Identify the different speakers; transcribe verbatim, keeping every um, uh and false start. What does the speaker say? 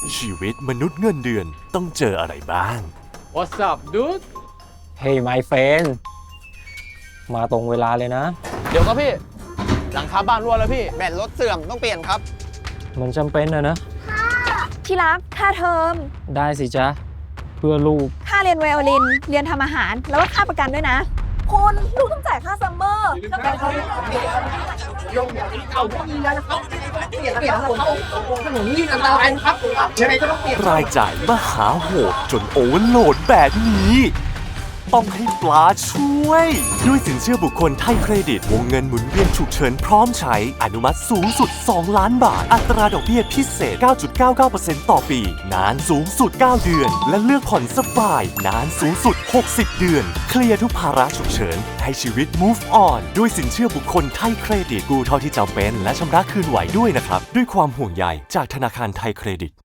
Speaker 1: ชีวิตมนุษย์เงินเดือนต้องเจออะไรบ้าง
Speaker 2: What's up dude
Speaker 3: Hey my friend มาตรงเวลาเลยนะ
Speaker 2: เดี๋ยวครับพี่ หลังคาบ้านรั่วแล้วพี่
Speaker 4: แบตรถเสื่อมต้องเปลี่ยนครับ
Speaker 3: มันจำเป็นนะนะ
Speaker 5: ที่รักค่าเทอม
Speaker 3: ได้สิจ๊ะ เพื่อลูก
Speaker 5: ค่าเรียนไวโอลิน เรียนทำอาหาร แล้วก็ค่าประกันด้วยนะ คุณลูกต้องจ่ายค่าซัมเมอร์แล้วก็เขา
Speaker 1: รายจ่ายมหาโหดจนโอเวอร์โหลดแบบนี้ ต้องให้ปลาช่วย ด้วยสินเชื่อบุคคลไทยเครดิต วงเงินหมุนเวียนฉุกเฉินพร้อมใช้อนุมัติสูงสุด สอง ล้านบาท อัตราดอกเบี้ยพิเศษ เก้าจุดเก้าเก้าเปอร์เซ็นต์ ต่อปี นานสูงสุด เก้า เดือน และเลือกผ่อนสบาย นานสูงสุด หกสิบ เดือน เคลียร์ทุกภาระฉุกเฉิน ให้ชีวิต move on ด้วยสินเชื่อบุคคลไทยเครดิต กู้เท่าที่จำเป็นและชำระคืนไหวด้วยนะครับ ด้วยความห่วงใยจากธนาคารไทยเครดิต